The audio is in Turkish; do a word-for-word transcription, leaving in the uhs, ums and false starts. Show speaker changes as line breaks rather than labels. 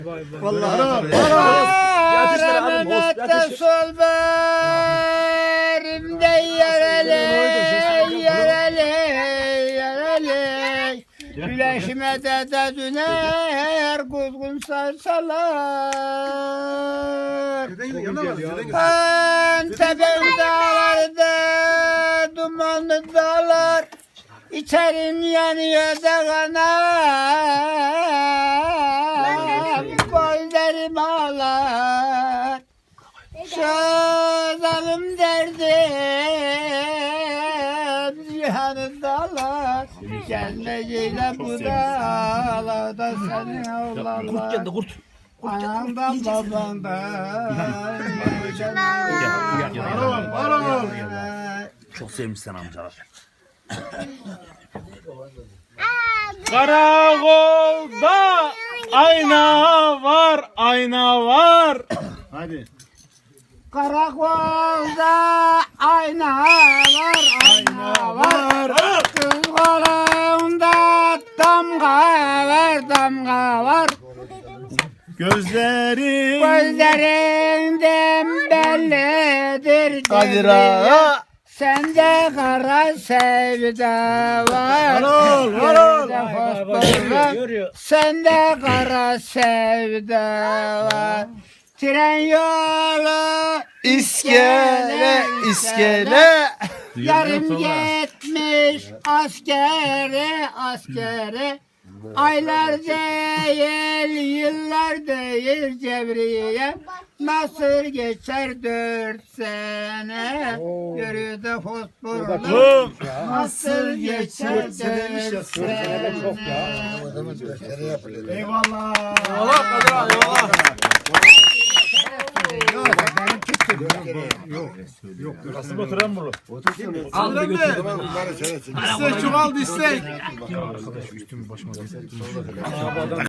Vallahi.
Rahmette sol berimde yereli, yereli, yereli. Güleşime de de düner, kuzgun sarsalar. Antep'in dağlarda, dumanlı dağlar. İçerim yanıyor da kanar, gözlerim ağlar. Şazalım derdim, cihanı dağlar. Gelmeciyle bu dağlarda senin oğlanlar. Anamdan babandan.
Çok sevmişsin amcalar.
Karakolda ayna var, ayna var. Hadi.
Karakolda ayna var, ayna var. Kız kolunda damga var, damga var.
Gözlerin
Gözlerinden bellidir.
Kadir ağa.
Sende kara sevda var.
Varol, varol.
Sende Sende kara sevda var. Tren yolu
İskele, iskele.
yarım yetmiş askere, askere. Aylar değil, yıllar değil Cebriye. Nasıl geçer dört sene? Yürüdü fosforlu. Nasıl geçer dört sene?
Eyvallah. Eyvallah Kadir ağa, eyvallah. Yok, nasıl oturan bunu? Oturan mı? İstek çok aldı istek.